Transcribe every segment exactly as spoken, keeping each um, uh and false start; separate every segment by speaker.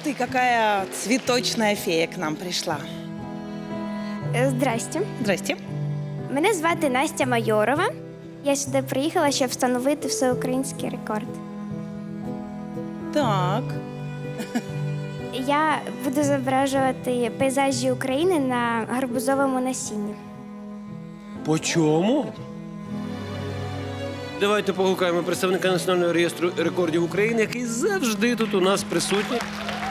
Speaker 1: ты, какая цветочная фея к нам пришла.
Speaker 2: Е, Здрасте.
Speaker 1: Здрасте.
Speaker 2: Мене звати Настя Майорова. Я сюди приїхала, щоб встановити всеукраїнський рекорд.
Speaker 1: Так.
Speaker 2: Я буду зображувати пейзажі України на гарбузовому насінні.
Speaker 3: По чому? Давайте погукаємо представника Національного реєстру рекордів України, який завжди тут у нас присутній.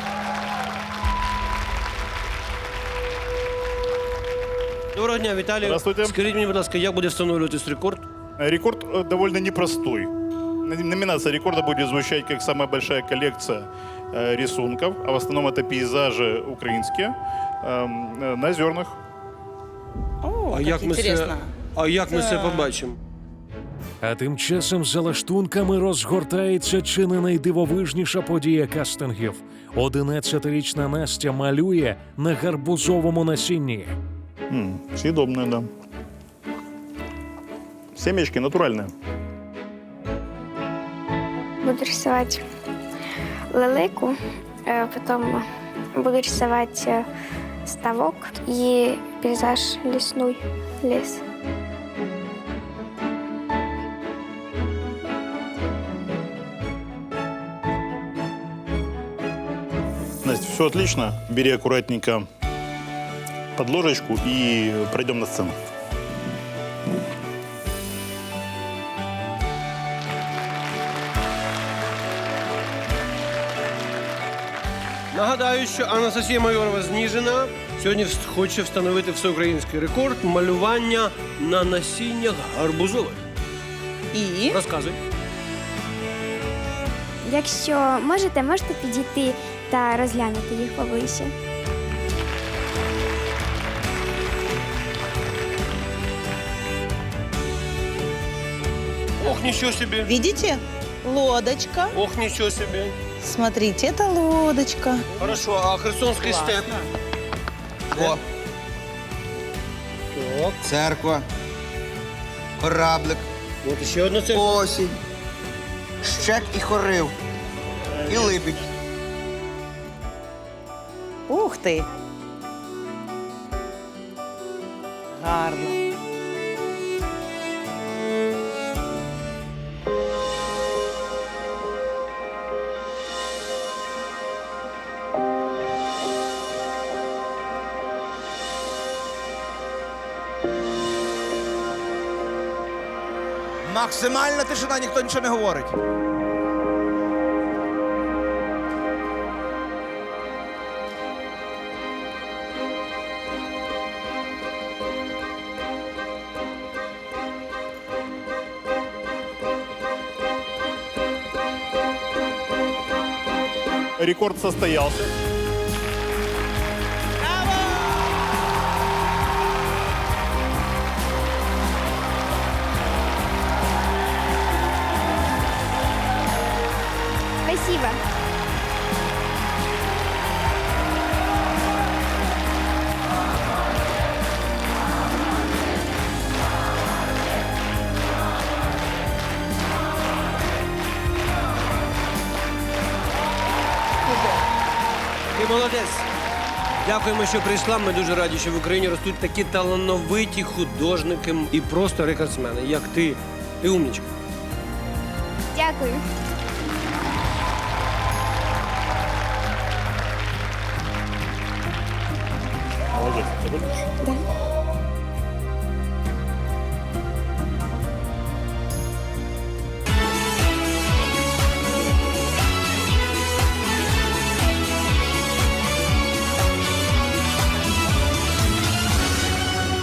Speaker 3: Доброго дня, Віталій.
Speaker 4: Здравствуйте.
Speaker 3: Скажіть мені, будь ласка, як буде встановлюватись рекорд?
Speaker 4: Рекорд э, довольно непростой. Н- Номинация рекорда будет звучать как самая большая коллекция э, рисунков, а в основном это пейзажи украинские эм, э, на зернах.
Speaker 1: О,
Speaker 3: А
Speaker 1: как
Speaker 3: як ми
Speaker 1: интересно.
Speaker 3: це, а як ми це
Speaker 1: Так.
Speaker 3: побачимо?
Speaker 5: А тим часом за лаштунками розгортається чи не найдивовижніша подія кастингів. Одинадцятирічна Настя малює на гарбузовому насінні.
Speaker 4: М, съедобная, да. Семечки натуральные.
Speaker 2: Буду рисувати лелику, е, потім буду рисувати е, ставок і пейзаж лісний, ліс.
Speaker 4: Настя, все отлично. Бери аккуратненько подложечку и пройдем на сцену.
Speaker 3: Нагадаю, що Анастасія Майорова з Ніжина сьогодні вс- хоче встановити всеукраїнський рекорд малювання на насіннях гарбузових.
Speaker 1: И?
Speaker 3: Розказуй.
Speaker 2: Якщо можете, можете підійти та розглянути їх поближче.
Speaker 3: Ох, нічого собі.
Speaker 1: Видите? Лодочка.
Speaker 3: Ох, нічого собі.
Speaker 1: Смотрите, это лодочка.
Speaker 3: Хорошо, а Херсонський степ?
Speaker 6: О,
Speaker 3: Так.
Speaker 6: церква, кораблик,
Speaker 3: От ще одна церква.
Speaker 6: осінь, щек і хорив, і липідь.
Speaker 1: Ух ты. Гарно.
Speaker 6: Максимальна тишина, ніхто нічого не говорить.
Speaker 4: Рекорд состоялся.
Speaker 2: Спасибо.
Speaker 3: Ти молодець. Дякуємо, що прийшла. Ми дуже раді, що в Україні ростуть такі талановиті художники і просто рекордсмени, як ти. Ти умнічка.
Speaker 2: Дякую.